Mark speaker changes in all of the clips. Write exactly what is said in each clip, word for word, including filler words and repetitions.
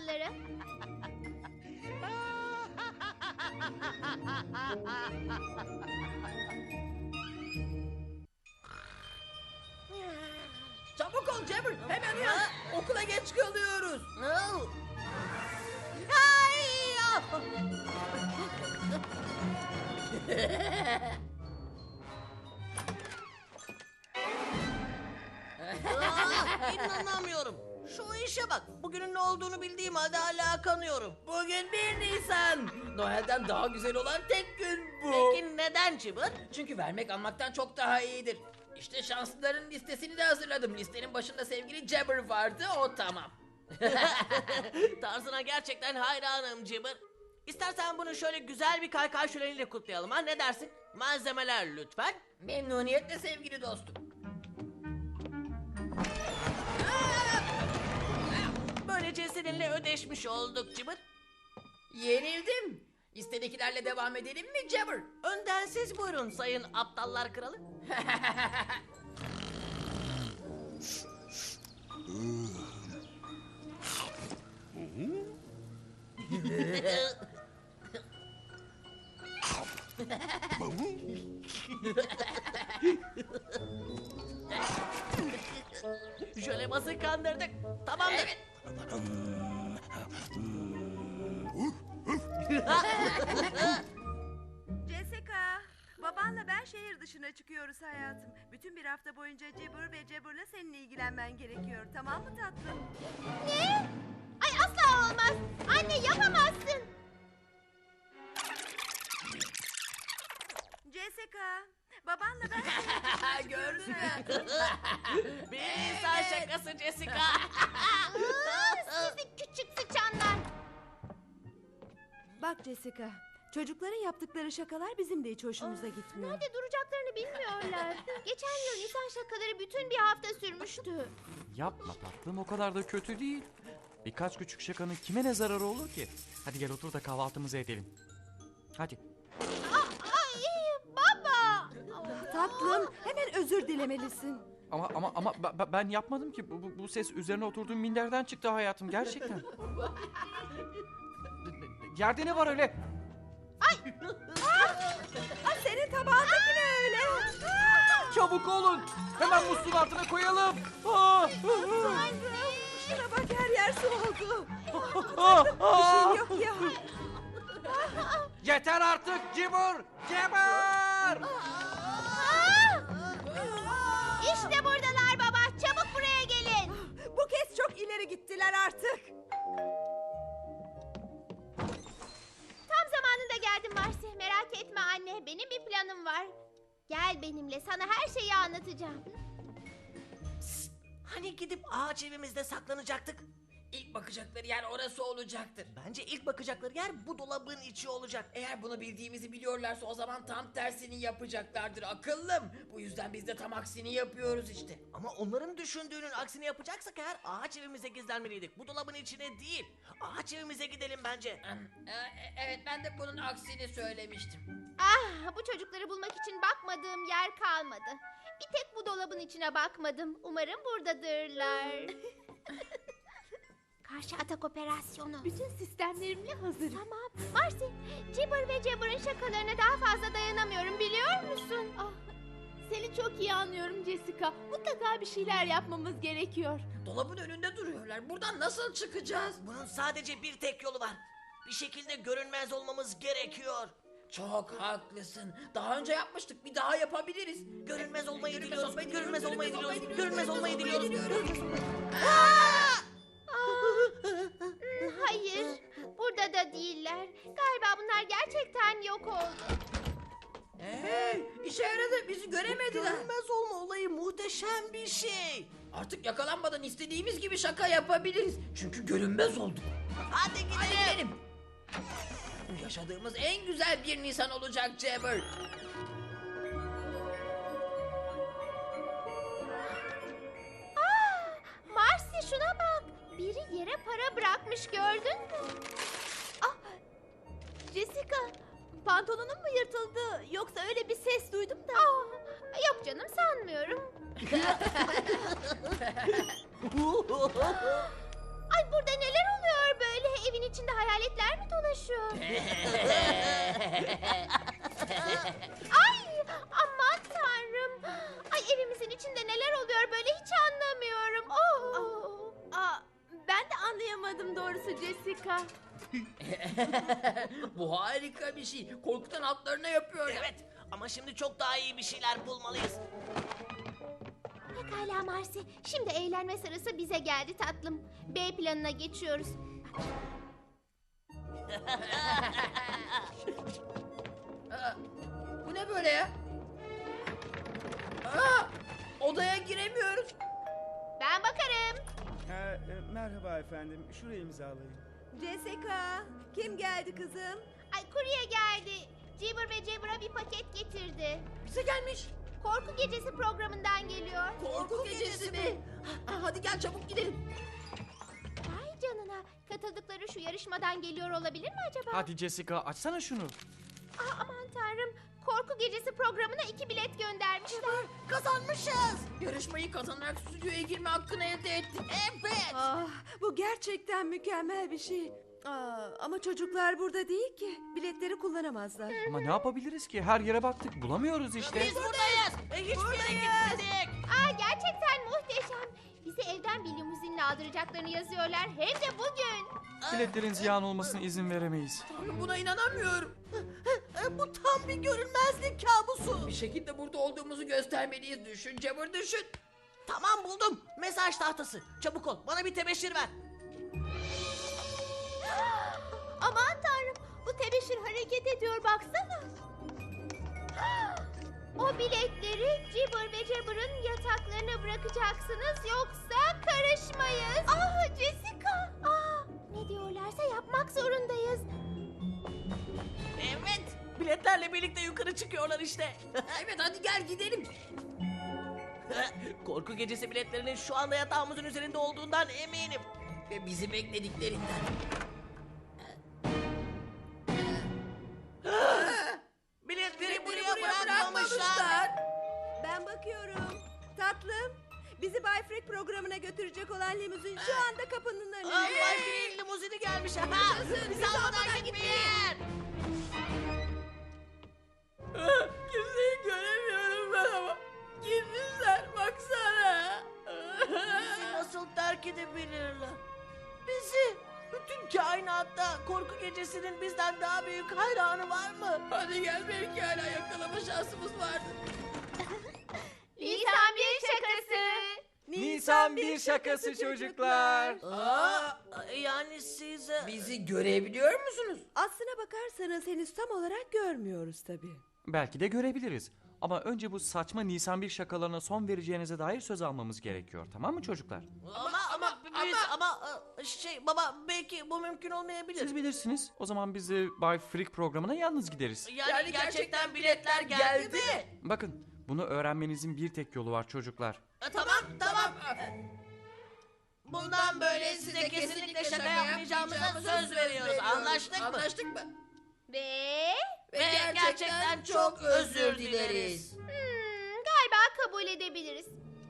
Speaker 1: şakaları.
Speaker 2: Çabuk ol Jabber, hemen uyan. Okula geç kalıyoruz.
Speaker 3: Aa, İnanamıyorum. Şu işe bak. Bugünün ne olduğunu bildiğim halde hala kanıyorum.
Speaker 2: Bugün bir Nisan. Noel'den daha güzel olan tek gün bu.
Speaker 3: Peki neden Cıbır?
Speaker 2: Çünkü vermek almaktan çok daha iyidir. İşte şanslıların listesini de hazırladım. Listenin başında sevgili Jabber vardı, o tamam.
Speaker 3: Tarzına gerçekten hayranım Cıbır. İstersen bunu şöyle güzel bir kaykay şöleniyle kutlayalım ha, ne dersin? Malzemeler lütfen.
Speaker 2: Memnuniyetle sevgili dostum.
Speaker 3: Böylece seninle ödeşmiş olduk Cıbır.
Speaker 2: Yenildim. Listedekilerle devam edelim mi Jabber?
Speaker 3: Önden siz buyurun sayın aptallar kralı. Jölebazı kandırdık. Tamamdır.
Speaker 2: Evet.
Speaker 4: Jessica, babanla ben şehir dışına çıkıyoruz hayatım. Bütün bir hafta boyunca Cebur ve Cebur'la seninle ilgilenmen gerekiyor. Tamam mı tatlım?
Speaker 1: Ne? Ay asla olmaz. Anne yapamazsın.
Speaker 4: Jessica, babanla ben şehir dışına çıkıyoruz.
Speaker 2: Gördün mü?
Speaker 3: Bir insan şakası Jessica.
Speaker 1: Aa, sizi küçük sıçanlar.
Speaker 4: Bak Jessica, çocukların yaptıkları şakalar bizim de hiç hoşumuza gitmiyor.
Speaker 1: Nerede duracaklarını bilmiyorlar. Geçen yıl Nisan şakaları bütün bir hafta sürmüştü.
Speaker 5: Yapma tatlım, o kadar da kötü değil. Birkaç küçük şakanın kime ne zararı olur ki? Hadi gel otur da kahvaltımızı edelim. Hadi.
Speaker 1: Ay baba.
Speaker 4: Tatlım, hemen özür dilemelisin.
Speaker 5: Ama ama ama be- be- ben yapmadım ki. Bu, bu, bu ses üzerine oturduğum minderden çıktı hayatım, gerçekten. Yerde ne var öyle?
Speaker 4: Aa, senin tabağındaki ne öyle?
Speaker 5: Çabuk olun. Hemen musluğun altına koyalım. Aa!
Speaker 4: Tanrım, şuna bak, her yer su oldu.
Speaker 5: Aa!
Speaker 4: Bir
Speaker 5: Aa!
Speaker 4: şey yok ya.
Speaker 5: Yeter artık Cibur! Cibur!
Speaker 1: İşte buradalar baba. Çabuk buraya gelin.
Speaker 4: Bu kez çok ileri gittiler artık.
Speaker 1: Tam zamanında geldim Marsi. Merak etme anne. Benim bir planım var. Gel benimle. Sana her şeyi anlatacağım.
Speaker 3: Hani gidip ağaç evimizde saklanacaktık?
Speaker 2: İlk bakacakları yer orası olacaktır.
Speaker 3: Bence ilk bakacakları yer bu dolabın içi olacak.
Speaker 2: Eğer bunu bildiğimizi biliyorlarsa o zaman tam tersini yapacaklardır akıllım. Bu yüzden biz de tam aksini yapıyoruz işte.
Speaker 3: Ama onların düşündüğünün aksini yapacaksak eğer ağaç evimize gizlenmeliydik. Bu dolabın içine değil. Ağaç evimize gidelim bence.
Speaker 2: Hmm, e, Evet, ben de bunun aksini söylemiştim.
Speaker 1: Ah, bu çocukları bulmak için bakmadığım yer kalmadı. Bir tek bu dolabın içine bakmadım. Umarım buradadırlar. Karşı atak operasyonu.
Speaker 6: Bütün sistemlerimle hazırım.
Speaker 1: Tamam. Marsi, Cibber ve Jabber'ın şakalarına daha fazla dayanamıyorum, biliyor musun?
Speaker 6: Ah, seni çok iyi anlıyorum Jessica. Mutlaka bir şeyler yapmamız gerekiyor.
Speaker 2: Dolabın önünde duruyorlar. Buradan nasıl çıkacağız?
Speaker 3: Bunun sadece bir tek yolu var. Bir şekilde görünmez olmamız gerekiyor.
Speaker 2: Çok haklısın. Daha önce yapmıştık. Bir daha yapabiliriz.
Speaker 3: Görünmez olmayı
Speaker 2: Görünmez
Speaker 3: diliyoruz.
Speaker 2: olmayı
Speaker 3: Görünmez
Speaker 2: diliyoruz,
Speaker 3: olmayı
Speaker 2: görünmez
Speaker 3: diliyoruz. Görünmez olmayı diliyoruz.
Speaker 2: diliyoruz.
Speaker 1: Hayır, burada da değiller. Galiba bunlar gerçekten yok oldu.
Speaker 2: Hey, işe yaradı. Bizi göremediler.
Speaker 3: Görünmez olma olayı muhteşem bir şey.
Speaker 2: Artık yakalanmadan istediğimiz gibi şaka yapabiliriz. Çünkü görünmez olduk.
Speaker 3: Hadi gidelim.
Speaker 2: Hadi gidelim. Bu yaşadığımız en güzel bir Nisan olacak Jabber.
Speaker 1: Marsi, şuna bak. Biri yere para bırakmış, gördün mü?
Speaker 6: Ah, Jessica, pantolonun mu yırtıldı? Yoksa öyle bir ses duydum da.
Speaker 1: Ah, yok canım, sanmıyorum. Ay, burada neler oluyor böyle? içinde hayaletler mi dolaşıyor? Ay aman tanrım. Ay evimizin içinde neler oluyor böyle hiç anlamıyorum. Oh.
Speaker 6: Aa, ben de anlayamadım doğrusu Jessica.
Speaker 2: Bu harika bir şey. Korkutan altlarına yapıyor.
Speaker 3: Evet ama şimdi çok daha iyi bir şeyler bulmalıyız.
Speaker 1: Pekala Marcy. Şimdi eğlenme sırası bize geldi tatlım. B planına geçiyoruz.
Speaker 2: Aa, bu ne böyle ya? Aa, odaya giremiyoruz.
Speaker 1: Ben bakarım.
Speaker 7: Ha, e, merhaba efendim. Şurayı imzalayın.
Speaker 4: Jessica, kim geldi kızım?
Speaker 1: Ay kurye geldi. Cibber ve Jabber'a bir paket getirdi.
Speaker 2: Bize gelmiş.
Speaker 1: Korku gecesi programından geliyor.
Speaker 2: Korku gecesi mi? Ha, hadi gel çabuk gidelim.
Speaker 1: Vay canına. Katıldıkları şu yarışmadan geliyor olabilir mi acaba?
Speaker 5: Hadi Jessica açsana şunu.
Speaker 1: Aa, aman tanrım. Korku gecesi programına iki bilet göndermişler.
Speaker 2: Kazanmışız. Yarışmayı kazanarak stüdyoya girme hakkını elde ettik. Evet.
Speaker 4: Ah, bu gerçekten mükemmel bir şey. Aa, ama çocuklar burada değil ki. Biletleri kullanamazlar.
Speaker 5: Ama ne yapabiliriz ki? Her yere baktık bulamıyoruz işte.
Speaker 3: Biz buradayız. E, hiçbir yere gitmedik.
Speaker 1: Aa, gerçekten muhteşem. Bizi evden bir limuzinle aldıracaklarını yazıyorlar. Hem de bugün.
Speaker 5: Biletlerin ziyan olmasına izin veremeyiz.
Speaker 2: Buna inanamıyorum.
Speaker 3: Bu tam bir görünmezlik kabusu.
Speaker 2: Bir şekilde burada olduğumuzu göstermeliyiz. Düşün Cemur düşün.
Speaker 3: Tamam buldum. Mesaj tahtası. Çabuk ol. Bana bir tebeşir ver.
Speaker 6: Aman tanrım, bu tebeşir hareket ediyor baksana.
Speaker 1: O biletleri Cibber ve Jabber'ın yataklarına bırakacaksınız yoksa karışmayız. Ah Jessica. Ah, ne diyorlarsa yapmak zorundayız.
Speaker 3: Evet. Biletlerle birlikte yukarı çıkıyorlar işte.
Speaker 2: Evet hadi gel gidelim.
Speaker 3: Korku gecesi biletlerinin şu anda yatağımızın üzerinde olduğundan eminim.
Speaker 2: Ve bizi beklediklerinden.
Speaker 3: Biletleri buraya,
Speaker 2: buraya
Speaker 3: bırakmamışlar.
Speaker 2: bırakmamışlar.
Speaker 4: Ben bakıyorum. Tatlım, bizi Bay Freak programına götürecek olan limuzin şu anda kapının
Speaker 3: Aa,
Speaker 4: önünde.
Speaker 3: Bay Green limuzini gelmiş. Ha, bizi almadan gitmeyin.
Speaker 2: Kimseyi göremiyorum ben ama. Gitmişler baksana.
Speaker 3: Bizi nasıl terk edebilirler? Bizi. Bütün kainatta korku gecesinin bizden daha büyük hayranı var mı?
Speaker 2: Hadi gel belki hala yakalama şansımız vardır.
Speaker 1: Nisan bir şakası.
Speaker 5: Nisan bir şakası çocuklar.
Speaker 3: Aa, yani siz... e,
Speaker 2: Bizi görebiliyor musunuz?
Speaker 4: Aslına bakarsanız henüz tam olarak görmüyoruz tabii.
Speaker 5: Belki de görebiliriz. Ama önce bu saçma Nisan bir şakalarına son vereceğinize dair söz almamız gerekiyor. Tamam mı çocuklar?
Speaker 3: Ama ama biz ama e, şey baba belki bu mümkün olmayabilir.
Speaker 5: Siz bilirsiniz. O zaman biz de Bay Freak programına yalnız gideriz.
Speaker 3: Yani,
Speaker 2: Yani
Speaker 3: gerçekten biletler geldi, mi?
Speaker 5: Bakın bunu öğrenmenizin bir tek yolu var çocuklar.
Speaker 3: E, tamam tamam. Bundan böyle size kesinlikle şaka yapmayacağımıza söz veriyoruz. Anlaştık mı?
Speaker 2: Anlaştık mı?
Speaker 1: Ve
Speaker 2: Ve,
Speaker 3: Ve gerçekten çok özür dileriz.
Speaker 1: hmm, galiba kabul edebiliriz.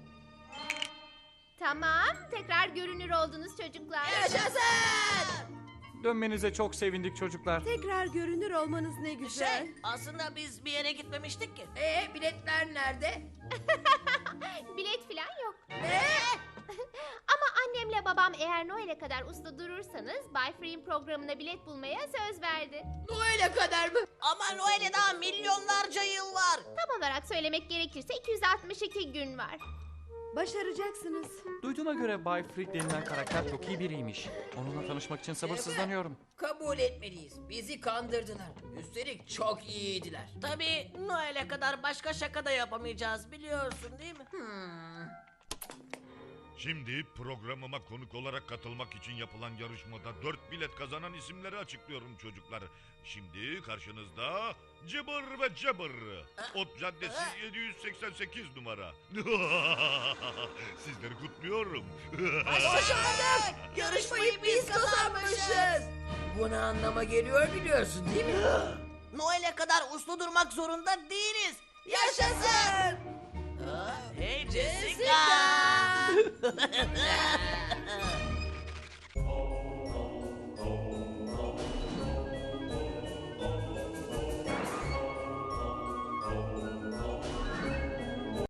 Speaker 1: Tamam, tekrar görünür oldunuz çocuklar.
Speaker 2: Yaşasın!
Speaker 5: Dönmenize çok sevindik çocuklar.
Speaker 4: Tekrar görünür olmanız ne güzel.
Speaker 3: Şey aslında biz bir yere gitmemiştik ki.
Speaker 2: Ee biletler nerede?
Speaker 1: Bilet falan yok. Ama annemle babam eğer Noel'e kadar usta durursanız Bay Free'in programına bilet bulmaya söz verdi.
Speaker 2: Noel'e kadar mı?
Speaker 3: Ama Noel'e daha milyonlarca yıl var.
Speaker 1: Tam olarak söylemek gerekirse iki yüz altmış iki gün var.
Speaker 4: Başaracaksınız.
Speaker 5: Duyduğuma göre Bay Freak denilen karakter çok iyi biriymiş. Onunla tanışmak için sabırsızlanıyorum.
Speaker 2: Kabul etmeliyiz. Bizi kandırdılar. Üstelik çok iyiydiler.
Speaker 3: Tabii Noel'e kadar başka şaka da yapamayacağız biliyorsun değil mi?
Speaker 2: Hmm.
Speaker 8: Şimdi programıma konuk olarak katılmak için yapılan yarışmada dört bilet kazanan isimleri açıklıyorum çocuklar. Şimdi karşınızda Cibber ve Jabber. Ot Caddesi yedi yüz seksen sekiz numara. Sizleri kutluyorum.
Speaker 3: Başardık! Yarışmayı biz kazanmışız.
Speaker 2: Bu ne anlama geliyor biliyorsun değil mi?
Speaker 3: Noel'e kadar uslu durmak zorunda değiliz. Yaşasın! Hey Jessica!